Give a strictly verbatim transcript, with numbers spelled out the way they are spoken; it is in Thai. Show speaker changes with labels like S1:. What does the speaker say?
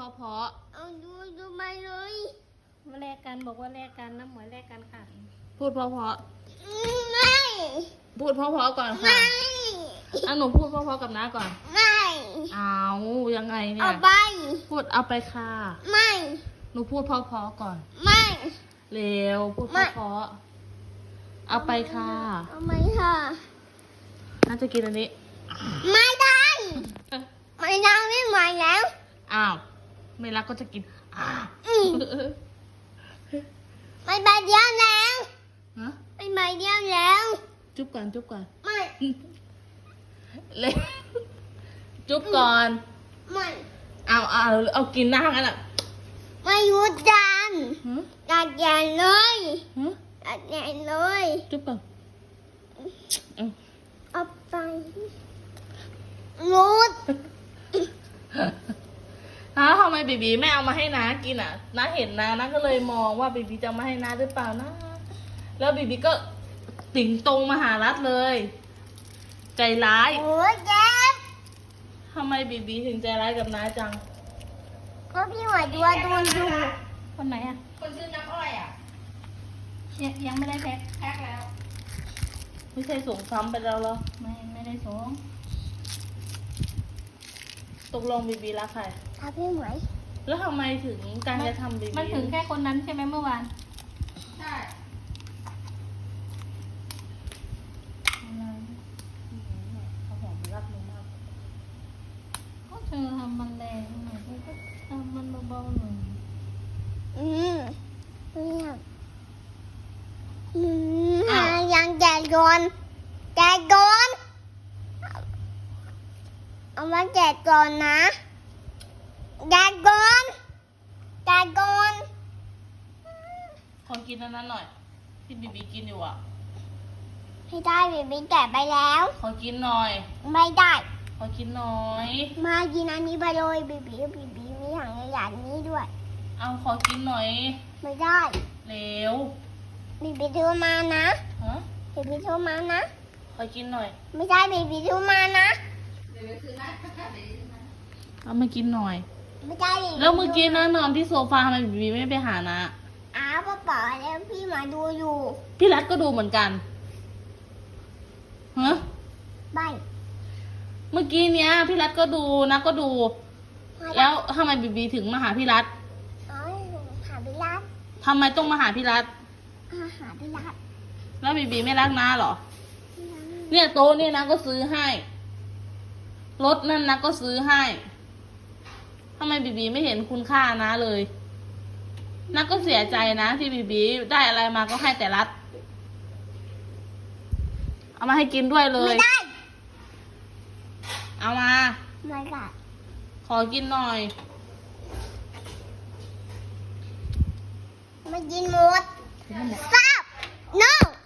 S1: เพราะ
S2: เอาดูดูไปเลย
S3: มาแลกกันบอกว่าแลกกันน้ำหมวยแลกกันค่ะ
S1: พูดเพราะเพราะ
S2: ไม่
S1: พูดเพราะเพราะก่อนค่ะ
S2: ไม่
S1: อ่ะหนูพูดเพราะเพราะกับน้าก่อน
S2: ไม่
S1: เอายังไงเนี่
S2: เอา
S1: ย
S2: ไป
S1: พูดเอาไปค่ะ
S2: ไม่
S1: หนูพูดเพราะเพราะก่อน
S2: ไม่
S1: เร็วพูดเพ
S2: ไม่
S1: ราะเพราะเอาไปค่ะ
S2: เอาไหมค่ะ
S1: น่าจะกินอันนี้
S2: ไม่ได้ไม่ได้ไม่ไหวแล้ว
S1: อ้าวไม่รักก็จะกินอ้าว
S2: อืมไม่ไปเดียวแล้ว
S1: ฮะ
S2: ไม่ไปเดียวแล้ว
S1: จุ๊บก่อนจุ๊บก่อน
S2: ไม่
S1: เร็วจุ๊บก่อน
S2: ไม่
S1: เอาเอาเอากินหน้ากันอ่ะ
S2: ไม่หยุดดัน
S1: ฮะ
S2: ดัดแยนเลย
S1: ฮะ
S2: ดัดแยนเลย
S1: จุ๊บก่อนเอา
S2: เอาไปรุด
S1: อ้าวทำไมบีบีไม่เอามาให้น้ากินอ่ะน้าเห็นนะน้าก็เลยมองว่าบีบีจะเอามาให้น้าหรือเปล่านะแล้วบีบีก็ติ่งตรงมาหารัดเลย ใจร้าย
S2: โอ้ยเจ็บ
S1: ทำไมบีบีถึงใจร้ายกับน้าจัง
S2: ก็พี่หัวดัวโดนอยู่
S3: คนไหนอ่ะ
S1: คนชื่อน้ำอ้อยอ่ะ
S3: ยังยังไม่ได้แพ็ค
S1: แพ็กแล้ว ไม่ใช่ส่งซ้ำไปแล้วเหรอ
S3: ไม่ไม่ได้ส่ง
S1: ตกลงบีบีรักใคร
S2: ถ้าพี่หมวย
S1: แล้วทำไมถึงการจะทำบีบี
S3: มันถึงแค่คนนั้นใช่ไหมเมื่อวาน
S1: ใช่เขาหอมรักมึงมาก
S3: ก็เธอทำมันแรงหน่อยเธอก็ทำมันเบาๆหน่อย
S2: อืมเนี่ยอืมหายังแจกก่อนแจกก่อนเอามาแจกก่อนนะแจกก่อนแจกก่อน
S1: ขอกินอันนั้นหน่อย ที่บีบีกินอยู่อ่ะ
S2: ให้ได้บีบีแจกไปแล้ว
S1: ขอกินหน่อย
S2: ไม่ได้
S1: ขอกินหน่อย
S2: มากินอันนี้ไปเลยบีบีบีบีมีถังขยะนี้ด้วย
S1: เอาขอกินหน่อย
S2: ไม่ได้
S1: เร็ว
S2: บีบีโทรมานะ
S1: ฮะ
S2: บีบีโทรมานะ
S1: ขอกินหน่อย
S2: ไม่ได้บีบีโทรมานะ
S1: เอามากินหน่อย
S2: ไม่ได้บีบี
S1: แล้วเมื่อกี้นะนอนที่โซฟาทำไมบีบีไม่ไปหานะ
S2: อ้าวป้าป๋าแล้วพี่มาดูอยู่
S1: พี่รัฐก็ดูเหมือนกันฮะ
S2: ไป
S1: เมื่อกี้เนี้ย พี่รัฐก็ดูนะก็ดู แล้วทำไมบีบีถึงมาหาพี่รัฐ
S2: อ๋อหาพี่รัต
S1: ทำไมต้องมาหาพี่รัฐ
S2: อาหาพี่รัต
S1: แล้วบีบีไม่รักน้าเหรอ เนี่ยโต๊ะเนี่ยนะก็ซื้อให้ รถนั่นนะก็ซื้อให้ทำไมบีบีไม่เห็นคุณค่านะเลยนักก็เสียใจนะที่บีบีได้อะไรมาก็ให้แต่รัฐเอามาให้กินด้วยเล
S2: ไม่
S1: ย
S2: ได้
S1: เอามา
S2: ไม่ได้
S1: ขอกินหน่อย
S2: ไม่กินหมดทราบ no